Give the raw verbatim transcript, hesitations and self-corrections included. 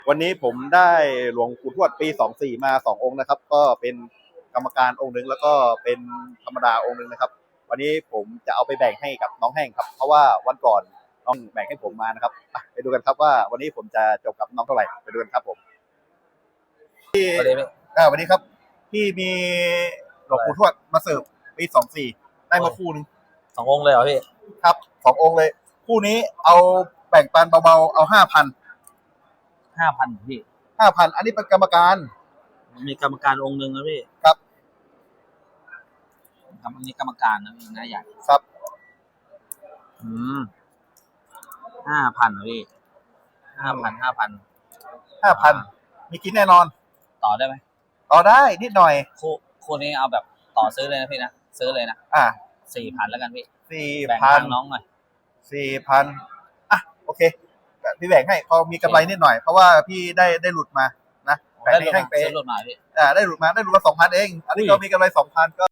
วันนี้ผมได้หลวงปู่ทวดปีสองสี่มาสององค์นะครับก็เป็นกรรมการองค์หนึ่งแล้วก็เป็นธรรมดาองค์หนึ่งนะครับวันนี้ผมจะเอาไปแบ่งให้กับน้องแห้งครับเพราะว่าวันก่อนน้องแบ่งให้ผมมานะครับไปดูกันครับว่าวันนี้ผมจะจบกับน้องเท่าไหร่ไปดูกันครับผมพี่อ่าวันนี้ครับพี่มีหลวงปู่ทวดมาเสิร์ฟปีสองสี่ได้มาคู่นึงสององค์เลยเหรอพี่ครับสององค์เลยคู่นี้เอาแบ่งปันเบาๆเอาห้าพันห้าพันพี่ห้าพันอันนี้เป็นกรรมการมีกรรมการองค์หนึ่งนะพี่ครับครับอันนี้กรรมการนะพี่นะใหญ่ครับอืมห้าพันพี่ห้าพันห้าพันห้าพันมีกินแน่นอนต่อได้ไหมต่อได้นิดหน่อยคู่คู่นี้เอาแบบต่อซื้อเลยนะพี่นะซื้อเลยนะอ่าสี่พันแล้วกันพี่สี่พันน้องหน่อยสี่พันอ่ะโอเคพี่แบ่งให้พอมีกำไรนิดหน่อยเพราะว่าพี่ได้ได้หลุดมานะแบ่งให้ไปได้หลุดมาพี่อ่าได้หลุดมาได้หลุดมาสองพันเองอันนี้ก็มีกำไรสองพันก็